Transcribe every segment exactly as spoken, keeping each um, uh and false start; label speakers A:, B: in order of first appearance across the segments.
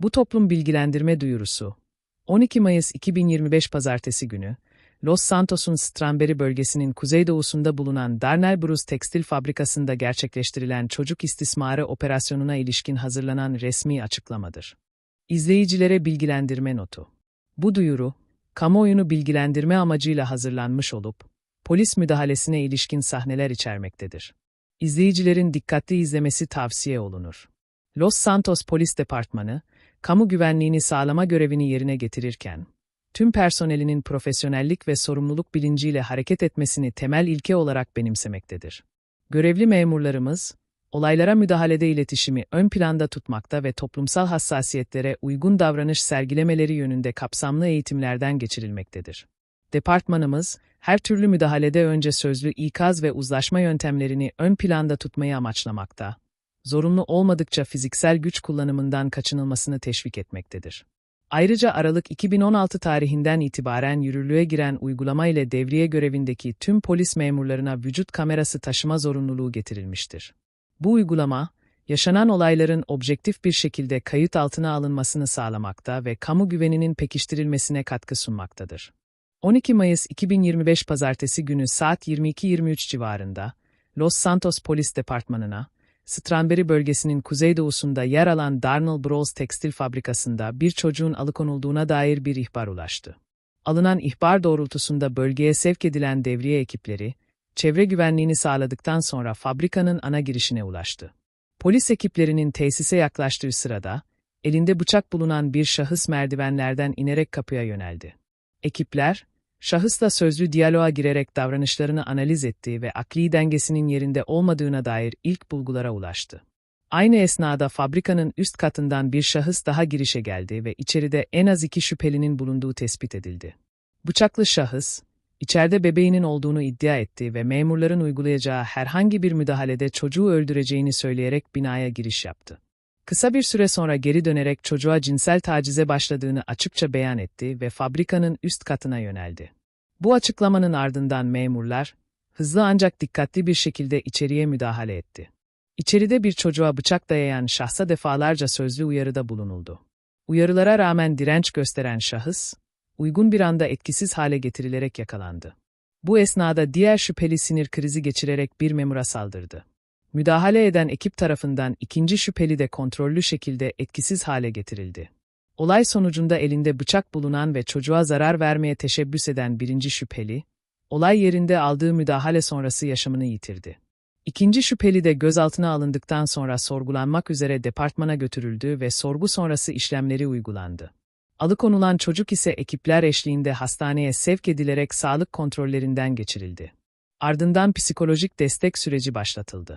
A: Bu toplum bilgilendirme duyurusu, on iki Mayıs iki bin yirmi beş Pazartesi günü, Los Santos'un Strawberry bölgesinin kuzeydoğusunda bulunan Darnell Bros Tekstil Fabrikası'nda gerçekleştirilen çocuk istismarı operasyonuna ilişkin hazırlanan resmi açıklamadır. İzleyicilere bilgilendirme notu. Bu duyuru, kamuoyunu bilgilendirme amacıyla hazırlanmış olup, polis müdahalesine ilişkin sahneler içermektedir. İzleyicilerin dikkatli izlemesi tavsiye olunur. Los Santos Polis Departmanı, kamu güvenliğini sağlama görevini yerine getirirken, tüm personelinin profesyonellik ve sorumluluk bilinciyle hareket etmesini temel ilke olarak benimsemektedir. Görevli memurlarımız, olaylara müdahalede iletişimi ön planda tutmakta ve toplumsal hassasiyetlere uygun davranış sergilemeleri yönünde kapsamlı eğitimlerden geçirilmektedir. Departmanımız, her türlü müdahalede önce sözlü ikaz ve uzlaşma yöntemlerini ön planda tutmayı amaçlamakta, zorunlu olmadıkça fiziksel güç kullanımından kaçınılmasını teşvik etmektedir. Ayrıca Aralık iki bin on altı tarihinden itibaren yürürlüğe giren uygulama ile devriye görevindeki tüm polis memurlarına vücut kamerası taşıma zorunluluğu getirilmiştir. Bu uygulama, yaşanan olayların objektif bir şekilde kayıt altına alınmasını sağlamakta ve kamu güveninin pekiştirilmesine katkı sunmaktadır. on iki Mayıs iki bin yirmi beş Pazartesi günü saat yirmi iki yirmi üç civarında, Los Santos Polis Departmanı'na, Strawberry bölgesinin kuzeydoğusunda yer alan Darnell Bros Tekstil Fabrikası'nda bir çocuğun alıkonulduğuna dair bir ihbar ulaştı. Alınan ihbar doğrultusunda bölgeye sevk edilen devriye ekipleri, çevre güvenliğini sağladıktan sonra fabrikanın ana girişine ulaştı. Polis ekiplerinin tesise yaklaştığı sırada, elinde bıçak bulunan bir şahıs merdivenlerden inerek kapıya yöneldi. Ekipler, şahısla sözlü diyaloğa girerek davranışlarını analiz etti ve akli dengesinin yerinde olmadığına dair ilk bulgulara ulaştı. Aynı esnada fabrikanın üst katından bir şahıs daha girişe geldi ve içeride en az iki şüphelinin bulunduğu tespit edildi. Bıçaklı şahıs, içeride bebeğinin olduğunu iddia etti ve memurların uygulayacağı herhangi bir müdahalede çocuğu öldüreceğini söyleyerek binaya giriş yaptı. Kısa bir süre sonra geri dönerek çocuğa cinsel tacize başladığını açıkça beyan etti ve fabrikanın üst katına yöneldi. Bu açıklamanın ardından memurlar, hızlı ancak dikkatli bir şekilde içeriye müdahale etti. İçeride bir çocuğa bıçak dayayan şahsa defalarca sözlü uyarıda bulunuldu. Uyarılara rağmen direnç gösteren şahıs, uygun bir anda etkisiz hale getirilerek yakalandı. Bu esnada diğer şüpheli sinir krizi geçirerek bir memura saldırdı. Müdahale eden ekip tarafından ikinci şüpheli de kontrollü şekilde etkisiz hale getirildi. Olay sonucunda elinde bıçak bulunan ve çocuğa zarar vermeye teşebbüs eden birinci şüpheli, olay yerinde aldığı müdahale sonrası yaşamını yitirdi. İkinci şüpheli de gözaltına alındıktan sonra sorgulanmak üzere departmana götürüldü ve sorgu sonrası işlemleri uygulandı. Alıkonulan çocuk ise ekipler eşliğinde hastaneye sevk edilerek sağlık kontrollerinden geçirildi. Ardından psikolojik destek süreci başlatıldı.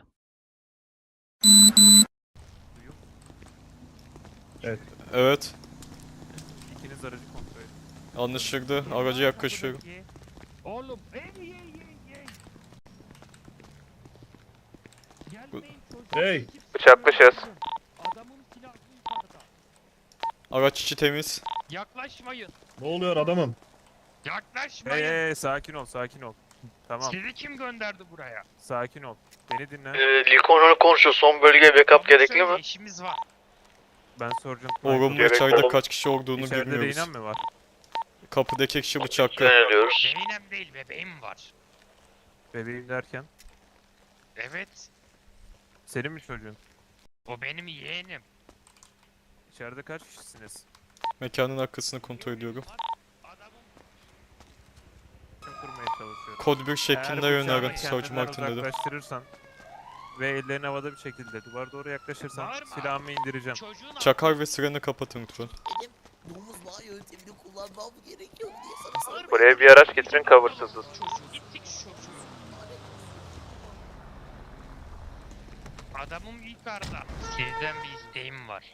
B: Evet.
C: Evet.
B: İkiniz aracı kontrol edin.
C: Anlaşıldı. Araca yaklaşıyorum.
D: Oğlum ey ey ey ey. Gelmeyin çocuğum.
B: Hey!
E: Bıçaklaşız.
D: Adamın silahı yukarıda.
C: Araç içi temiz.
D: Yaklaşmayın.
B: Ne oluyor adamım?
D: Yaklaşmayın.
B: Hey, hey, sakin ol, sakin ol. Tamam,
D: Sizi kim gönderdi buraya?
B: sakin ol. Beni dinle.
E: Ee, Lincoln konuşuyor. Son bölgeye backup gerekli
D: Söyle,
E: mi?
D: İşimiz var.
B: Ben soracağım.
C: Oğlum
E: Gerek
C: içeride
E: yok.
C: kaç kişi olduğunu
B: İçeride
C: bilmiyoruz.
B: reynen mi var?
C: Kapıdaki kişi bıçaklı.
E: Yöneliyoruz.
D: Zeynep değil bebeğim var.
B: Bebeğim derken.
D: Evet.
B: Senin mi çocuğun?
D: O benim yeğenim.
B: İçeride kaç kişisiniz?
C: Mekanın arkasını kontrol ediyorum.
D: Adamın
B: Kim kurmaya çalışıyorum?
C: Kod bir şeklinde
B: Eğer bıçağını
C: yönlerin. Savcı
B: kendinden
C: Martin dedi.
B: uzaklaştırırsan ve ellerini havada bir şekilde duvara doğru yaklaşırsan
D: Bağırma.
B: silahımı indireceğim.
D: çocuğun
C: Çakar ve sirenini kapatın lütfen.
F: Benim domuz bağı yöntemini kullanmam gerekiyor diye sana sormaya
E: Buraya bir araç getirin, coversızız.
D: çocuğu gittik şu çocuğu. Adamım yukarıda. Sizden bir isteğim var.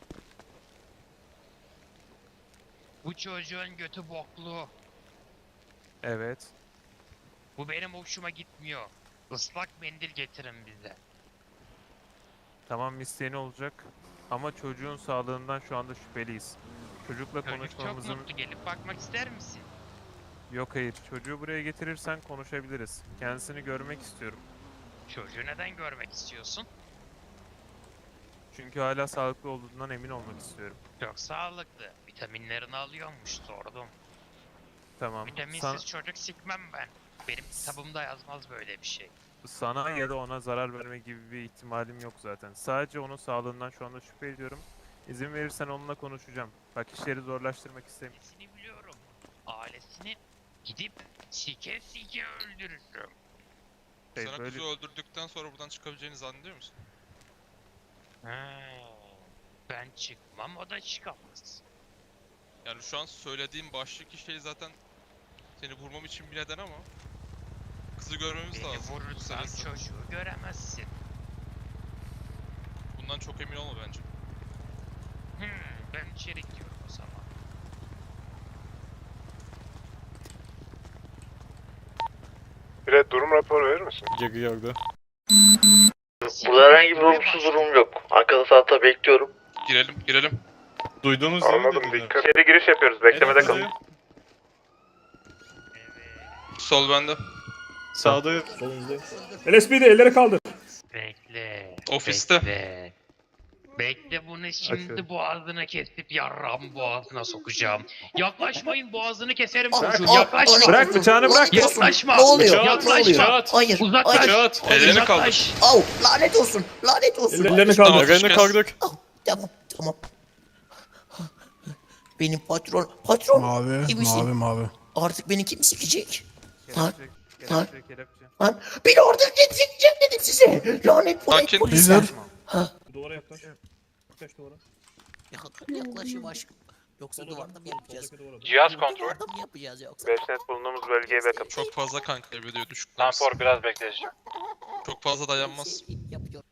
D: Bu çocuğun götü boklu.
B: Evet.
D: Bu benim hoşuma gitmiyor. Islak mendil getirin bize.
B: Tamam, isteğin olacak. Ama çocuğun sağlığından şu anda şüpheliyiz. Çocukla
D: Çocuk çok
B: konuşmamızın...
D: mutlu, gelip bakmak ister misin?
B: Yok hayır, çocuğu buraya getirirsen konuşabiliriz. Kendisini görmek istiyorum.
D: Çocuğu neden görmek istiyorsun?
B: Çünkü hala sağlıklı olduğundan emin olmak istiyorum.
D: Çok sağlıklı. Vitaminlerini alıyormuş sordum.
B: Tamam.
D: Vitaminsiz
B: San-
D: çocuk sikmem ben. Benim kitabımda yazmaz böyle bir şey.
B: sana ya da ona zarar verme gibi bir ihtimalim yok zaten. Sadece onun sağlığından şu anda şüphe ediyorum. İzin verirsen onunla konuşacağım. Bak işleri zorlaştırmak istemiyorum.
D: Ailesini biliyorum. Ailesini gidip sike sike öldürürüm.
B: Şey,
G: Sana
B: böyle-
G: kuzu öldürdükten sonra buradan çıkabileceğini zannediyor musun?
D: Ha, ben çıkmam, o da çıkamaz.
G: Yani şu an söylediğim baştaki şey zaten seni vurmam için bir neden ama kızı görmemiz
D: Beni
G: lazım.
D: vurursan
G: Meselesi.
D: çocuğu göremezsin.
G: Bundan çok emin olma bence.
D: Hmm, ben içeri gidiyorum o zaman.
H: Bir durum raporu verir misin?
C: Geri yardı.
E: Burada herhangi bir olumsuz durum yok. Arkada saatte bekliyorum.
G: Girelim, girelim.
C: Duydunuz değil mi
H: Anladım,
C: dediler?
H: dikkat.
E: İçeri giriş yapıyoruz. Beklemede
C: Evet,
E: kalın.
C: bizi-
D: Evet.
G: Sol bende.
C: Sağda
H: L S P'de elleri kaldır.
D: Bekle.
G: Ofiste.
D: Bekle. Bekle bunu şimdi
B: Açıyorum.
D: boğazını kesip yarram boğazına sokacağım. Yaklaşmayın, boğazını keserim
F: Bırak,
D: çocuğun.
F: al,
D: Yaklaşma.
F: al,
B: Bırak bıçağını bırak.
D: Yaklaşma.
F: Ne oluyor?
C: Bıçağı-
F: Ne oluyor?
D: Yaklaşma.
F: Hayır.
D: Uzaklaş.
F: Hayır.
C: Kağıt.
G: Ellerini
D: Uzaklaş.
G: kaldır.
F: Au, lanet olsun. Lanet olsun.
H: Ellerini
G: Tamam,
H: kaldır.
C: Ellerini
G: kes.
C: kaldır.
F: Au, tamam, tamam. Benim patron, patron.
I: Mavi,
F: İyi misin?
I: mavi, mavi.
F: Artık beni kim sikecek? Lan,
B: Kelepçe,
F: lan.
B: kelepçe, kelepçe.
F: Lan, beni oradan sikecek dedim size. Lanet polis.
G: Sakin.
F: polisler.
I: Bizler.
F: Ha,
H: Duvara yaklaş. Yaklaş duvara.
F: yak- yaklaşayım aşkım. Yoksa duvarda mı yapacağız?
E: Cihaz
F: Duvarda mı yapacağız yoksa?
E: beş net bulunduğumuz bölgeye backup.
G: Çok fazla kan kaybediyor düşük.
E: Tampor biraz bekleyeceğim.
G: Çok fazla dayanmaz.
F: Şey yapıyor.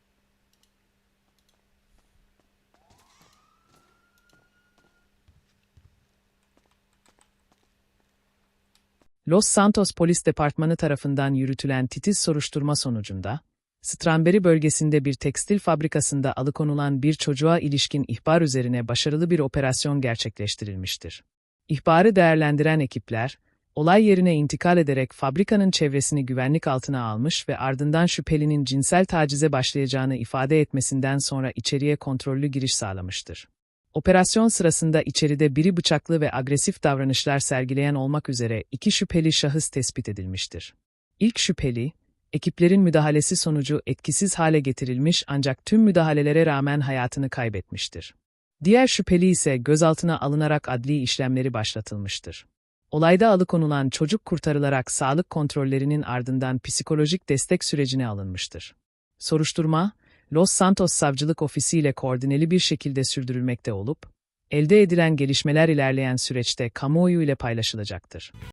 A: Los Santos Polis Departmanı tarafından yürütülen titiz soruşturma sonucunda, Strawberry bölgesinde bir tekstil fabrikasında alıkonulan bir çocuğa ilişkin ihbar üzerine başarılı bir operasyon gerçekleştirilmiştir. İhbarı değerlendiren ekipler, olay yerine intikal ederek fabrikanın çevresini güvenlik altına almış ve ardından şüphelinin cinsel tacize başlayacağını ifade etmesinden sonra içeriye kontrollü giriş sağlamıştır. Operasyon sırasında içeride biri bıçaklı ve agresif davranışlar sergileyen olmak üzere iki şüpheli şahıs tespit edilmiştir. İlk şüpheli, ekiplerin müdahalesi sonucu etkisiz hale getirilmiş ancak tüm müdahalelere rağmen hayatını kaybetmiştir. Diğer şüpheli ise gözaltına alınarak adli işlemleri başlatılmıştır. Olayda alıkonulan çocuk kurtarılarak sağlık kontrollerinin ardından psikolojik destek sürecine alınmıştır. Soruşturma, Los Santos Savcılık Ofisi ile koordineli bir şekilde sürdürülmekte olup, elde edilen gelişmeler ilerleyen süreçte kamuoyu ile paylaşılacaktır.